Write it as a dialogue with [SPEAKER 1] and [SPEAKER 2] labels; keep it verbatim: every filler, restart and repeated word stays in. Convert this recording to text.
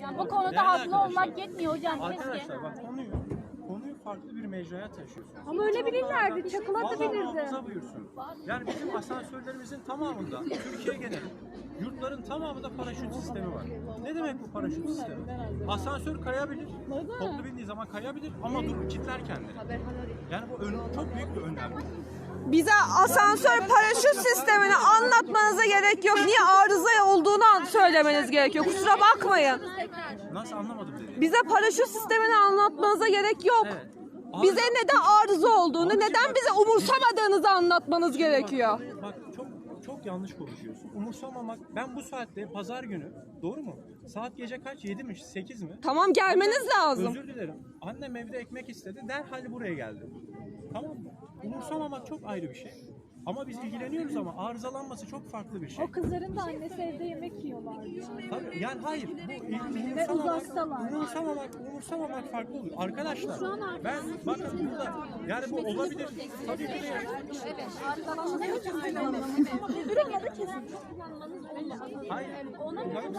[SPEAKER 1] Yani bu konuda haklı olmak yetmiyor hocam.
[SPEAKER 2] Arkadaşlar bak konuyu konuyu farklı bir mecraya taşıyorsunuz.
[SPEAKER 3] Ama öyle bilirlerdi, çakılabilirdi.
[SPEAKER 2] Allah muhafaza buyursun. Yani bizim asansörlerimizin tamamında, Türkiye geneli, yurtların tamamında paraşüt sistemi var. Ne demek bu paraşüt sistemi? Asansör kayabilir, toplu bindiği zaman kayabilir ama dur kilitler kendini. Yani bu ön, çok büyük bir önlem.
[SPEAKER 4] Bize asansör paraşüt sistemini anlatmanıza gerek yok. Niye arıza olduğunu söylemeniz gerekiyor. Kusura bakmayın.
[SPEAKER 2] Nasıl anlamadım dedi.
[SPEAKER 4] Bize paraşüt sistemini anlatmanıza gerek yok.
[SPEAKER 2] Evet.
[SPEAKER 4] Bize neden arıza olduğunu, neden bize umursamadığınızı anlatmanız gerekiyor.
[SPEAKER 2] Bak çok çok yanlış konuşuyorsun. Umursamamak. Ben bu saatte pazar günü, doğru mu? Saat gece kaç? yedi mi? sekiz mi?
[SPEAKER 4] Tamam, gelmeniz lazım.
[SPEAKER 2] Özür dilerim. Annem evde ekmek istedi. Derhal buraya geldi. Tamam mı? Umursamamak çok ayrı bir şey. Ama biz ilgileniyoruz ama arızalanması çok farklı bir şey.
[SPEAKER 3] O kızların da annesi evde yemek yiyorlar.
[SPEAKER 2] Tabii, yani hayır. Bu
[SPEAKER 3] Ve uzaktalar.
[SPEAKER 2] umursamamak, umursamamak farklı olur. Arkadaşlar ben bakın burada yani bu olabilir. Tabii ki de. Hayır.